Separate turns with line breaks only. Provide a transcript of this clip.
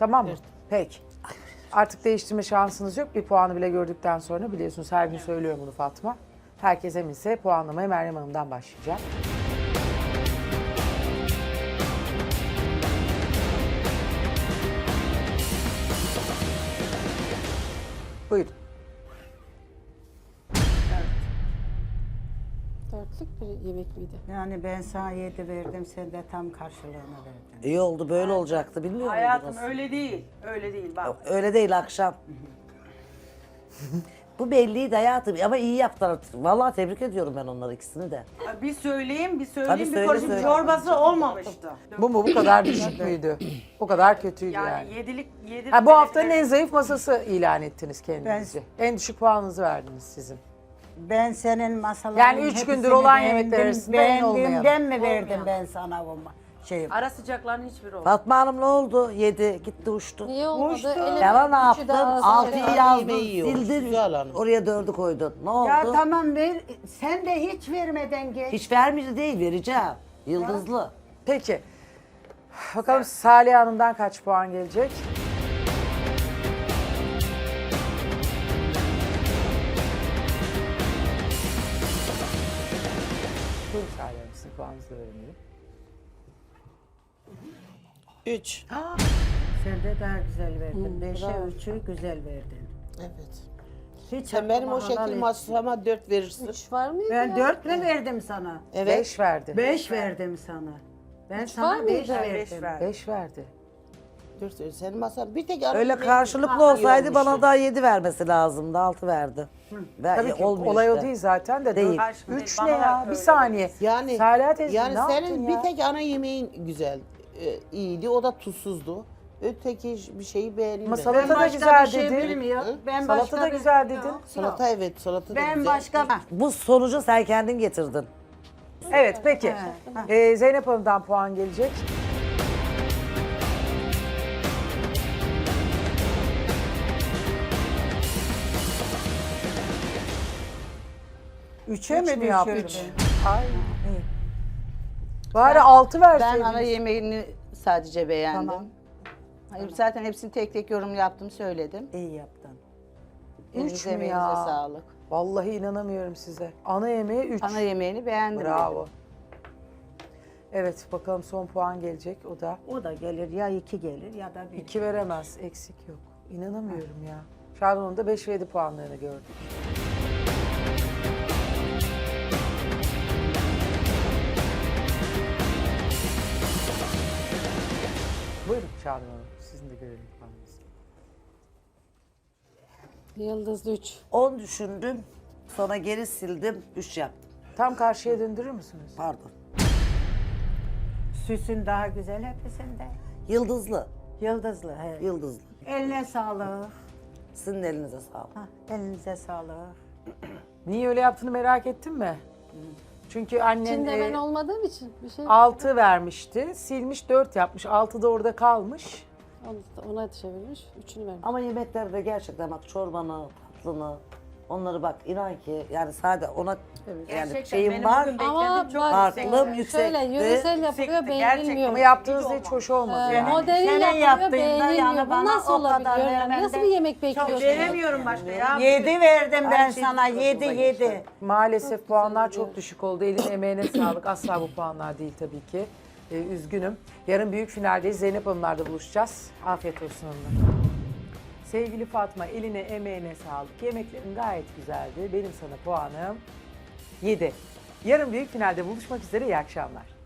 Tamam mı? Peki. Artık değiştirme şansınız yok. Bir puanı bile gördükten sonra biliyorsunuz her gün söylüyorum bunu Fatma. Herkes eminse puanlamaya Meryem Hanım'dan başlayacak. Buyurun.
Dörtlük bir yemek miydi?
Yani ben sana 7 verdim, sen de tam karşılığını verdin.
İyi oldu, böyle olacaktı, bilmiyor
Hayatım
muydunuz?
öyle değil. Öyle değil bak.
Öyle değil akşam. Bu belliydi hayatım ama iyi yaptılar. Vallahi tebrik ediyorum ben onları ikisini de.
Bir söyleyeyim, bir
Tabii
söyleyeyim. Bir
söyle,
karışık
söyle.
çorbası olmamıştı.
Bu mu? Bu kadar düşük müydü? O kadar kötüydü yani.
Yani yedilik, yedi.
Ha, bu haftanın en zayıf masası ilan ettiniz kendinizi. En düşük puanınızı verdiniz sizin.
Ben senin masaların
Yani 3 gündür olan yemekler arasında en
beğendiğimden mi
olmayan.
verdim ben sana bu şeyi?
Ara sıcakların hiçbiri olmadı.
Fatma Hanım ne oldu? Yedi, gitti uçtu.
Niye olmadı?
Uçtu.
Yalan ne
Üçü de
yaptın?
ağzına
Altıyı
kadar
yazdın,
yemeği yiyormuş,
sildin.
Güzel Hanım.
Oraya 4'ü koydun. Ne oldu?
Ya tamam ver, sen de hiç vermeden geç.
Hiç vermedi değil, vereceğim. Yıldızlı.
Peki. Bakalım Salih Hanım'dan kaç puan gelecek? Buyurun Salih Hanım, sizin puanınızı da öğrenelim.
3.
Sen de daha güzel verdin. 5'e 3'ü güzel verdin.
Evet.
Hiç
Sen benim o
aklıma helal
şekil
et.
masama 4 verirsin.
Üç var mıydı
Ben
ya?
4 mü verdim sana?
Evet.
5 verdi.
5 verdim sana. Ben
var
sana
mıydı?
5
Beş
verdim.
verdi.
5 verdi.
4 senin masan bir tek ara
Öyle
yemeği
karşılıklı
iyi
olsaydı
olmuştu.
bana daha 7 vermesi lazımdı. 6 verdi.
Tabii ki
olmuyor
olay o
işte.
değil zaten de.
Değil.
Karşı-
3
bana
ne
da
ya? Bir
öyle.
saniye.
Yani
Salih teyze
yani
ne yaptın
senin
ya?
bir tek ana yemeğin güzel, iyiydi. O da tuzsuzdu. Öteki bir şeyi beğenmedim.
Ama salata da
Başka
güzel
bir şey
dedin.
bilmiyorum. Ben
Salata
başka
da
bir-
güzel dedin.
Yok,
Salata evet, salata da
Ben
güzel.
başka...
Bu sonucu sen kendin getirdin.
Evet peki. Zeynep Hanım'dan puan gelecek.
Üçe
Üç
mi
mü yaptın?
düşürdün?
Ay. Bari 6
Ben
verseydiniz.
ana yemeğini sadece beğendim.
Tamam.
Hayır, zaten hepsini tek tek yorum yaptım, söyledim.
İyi yaptın.
Elinize
mü
emeğinize
ya?
sağlık.
Vallahi inanamıyorum size. Ana yemeği 3.
Ana yemeğini beğendim.
Bravo. Evet bakalım son puan gelecek. O da
O da gelir ya 2 gelir ya da 1.
2 veremez. Eksik yok. İnanamıyorum ya. Şadan'ın da 5 ve 7 puanlarını gördük. Buyurun Şadan Hanım. Sizin de görelim puanınızı.
Yıldızlı 3.
10 düşündüm. Sonra geri sildim. 3 yaptım.
Tam karşıya döndürür müsünüz?
Pardon.
Süsün daha güzel hepsinde.
Yıldızlı.
Yıldızlı. He.
Yıldızlı.
Eline sağlık.
Sizin de elinize sağlık.
Elinize sağlık.
Niye öyle yaptığını merak ettin mi? Çünkü annen
İçinde ben olmadığım için bir şey
6 vermişti. Silmiş 4 yapmış. 6 da orada kalmış.
ona çevirmiş. Üçünü vermiş.
Ama yemeklerde gerçekten bak çorbanı, tatlını, onları bak inan ki yani sadece ona yani
Gerçekten
şeyim
benim
var.
bugün
Ama
beklentim çok
bak,
yüksek.
Farklı, yüksekti.
şöyle yöresel yapılıyor,
Yüksekti,
beğenilmiyor.
Ama yaptığınız da hiç hoş olmadı yani.
Modern
Senin
yapılıyor,
yaptığında
beğenilmiyor.
yani
Bu
bana
nasıl
o kadar
olabiliyor? Yani
vermem
nasıl
de
bir yemek bekliyorsunuz?
Veremiyorum başka ya.
7 verdim ben
şey
sana. 7 7.
Maalesef puanlar çok düşük oldu. Elin emeğine sağlık. Asla bu puanlar değil tabii ki. Üzgünüm. Yarın büyük finaldeyiz. Zeynep Hanımlar'da buluşacağız. Afiyet olsun hanımlar. Sevgili Fatma, eline emeğine sağlık. Yemeklerin gayet güzeldi. Benim sana puanım 7. Yarın büyük finalde buluşmak üzere. İyi akşamlar.